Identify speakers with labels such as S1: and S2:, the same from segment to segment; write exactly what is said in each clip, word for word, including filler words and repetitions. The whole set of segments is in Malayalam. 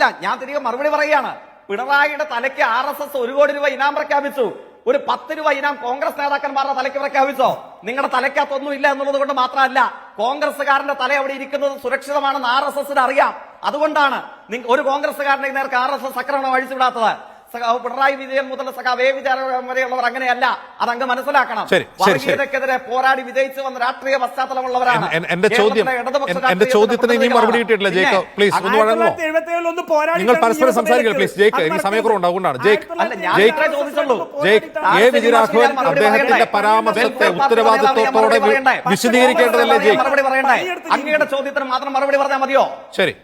S1: അല്ല ഞാൻ തിരികെ മറുപടി പറയുകയാണ്. പിണറായിയുടെ തലയ്ക്ക് ആർ എസ് എസ് ഒരു കോടി രൂപ ഇനാം പ്രഖ്യാപിച്ചു. ഒരു പത്ത് രൂപ ഇനാം കോൺഗ്രസ് നേതാക്കന്മാരുടെ തലയ്ക്ക് പ്രഖ്യാപിച്ചോ? നിങ്ങളുടെ തലയ്ക്കകത്തൊന്നും ഇല്ല എന്നുള്ളത് കൊണ്ട് മാത്രമല്ല, കോൺഗ്രസ്സുകാരന്റെ തല അവിടെ ഇരിക്കുന്നത് സുരക്ഷിതമാണെന്ന് ആർ എസ് എസിന് അറിയാം. അതുകൊണ്ടാണ് ഒരു കോൺഗ്രസ്സുകാരന്റെ നേർക്ക് ആർ എസ് എസ് ആക്രമണം അഴിച്ചുവിടാത്തത്. പിണറായി വിജയൻ മുതൽ സഖാവേ വിചാരം വരെയുള്ളവർ അങ്ങനെയല്ല, അതങ്ങ് മനസ്സിലാക്കണം. വർഗീയതയ്ക്കെതിരെ പോരാടി വിജയിച്ചു വന്ന രാഷ്ട്രീയ പശ്ചാത്തലമുള്ളവരാണ്.
S2: എന്റെ ചോദ്യം എന്റെ ചോദ്യത്തിന് ഇനിയും മറുപടി കിട്ടിയിട്ടില്ല. ജേക്ക് പ്ലീസ് ഒന്ന് വഴങ്ങോ. നിങ്ങൾ പരസ്പരം സംസാരിക്കുക പ്ലീസ്. ജേക്ക് എനിക്ക് സമയക്കുറവുണ്ട്, അതുകൊണ്ടാണ്. ജേക്ക് ജേക്ക് എ വിജയരാഘവൻ അദ്ദേഹത്തിന്റെ പരാമർശത്തെ ഉത്തരവാദിത്വത്തോടെ വിശദീകരിക്കേണ്ടതല്ലേ ജേക്ക്?
S1: മറുപടി പറയണ്ടേ? അങ്ങയുടെ ചോദ്യത്തിന് മാത്രം മറുപടി പറഞ്ഞാൽ മതിയോ?
S2: ശരി.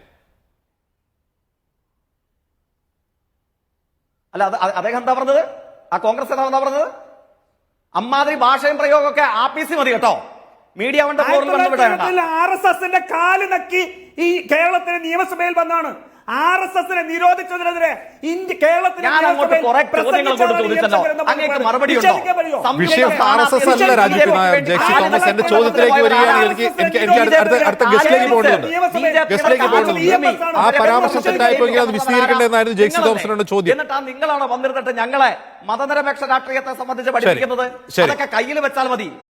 S1: അല്ല, അദ്ദേഹം എന്താ പറഞ്ഞത്? ആ കോൺഗ്രസ് നേതാവ് എന്താ പറഞ്ഞത്? അമ്മാതിരി ഭാഷയും പ്രയോഗമൊക്കെ ആപ്പീസി മതി കേട്ടോ. മീഡിയ
S3: ആർ എസ് എസിന്റെ കാല് നക്കി ഈ കേരളത്തിലെ നിയമസഭയിൽ വന്നാണ്. ആർ എസ് എസിനെ നിരോധിച്ചതിനെതിരെ ഇന്ത്യ കേരളത്തിൽ
S2: വിഷയം ആർ എസ് എസ് അല്ല രാജ്യത്ത് ജെക്സി തോമസ്. എന്റെ ചോദ്യത്തിലേക്ക് വരികയാണ്. എനിക്ക് എനിക്ക് എനിക്ക് അടുത്ത ഗസ്റ്റിലേക്ക് പോകേണ്ടതുണ്ട് ഗസ്റ്റിലേക്ക് പോകേണ്ടതുണ്ട് ആ പരാമർശം തെറ്റായിപ്പോയെങ്കിൽ അത് വിശദീകരിക്കേണ്ടതെന്നായിരുന്നു ജെക്സി തോമസിനോട് ചോദ്യം.
S1: എന്നിട്ടാ നിങ്ങളാണോ വന്നിരുന്നിട്ട് ഞങ്ങളെ മതനിരപേക്ഷ രാഷ്ട്രീയത്തെ സംബന്ധിച്ച് പഠിപ്പിക്കുന്നത്? അതൊക്കെ കയ്യിൽ വെച്ചാൽ മതി.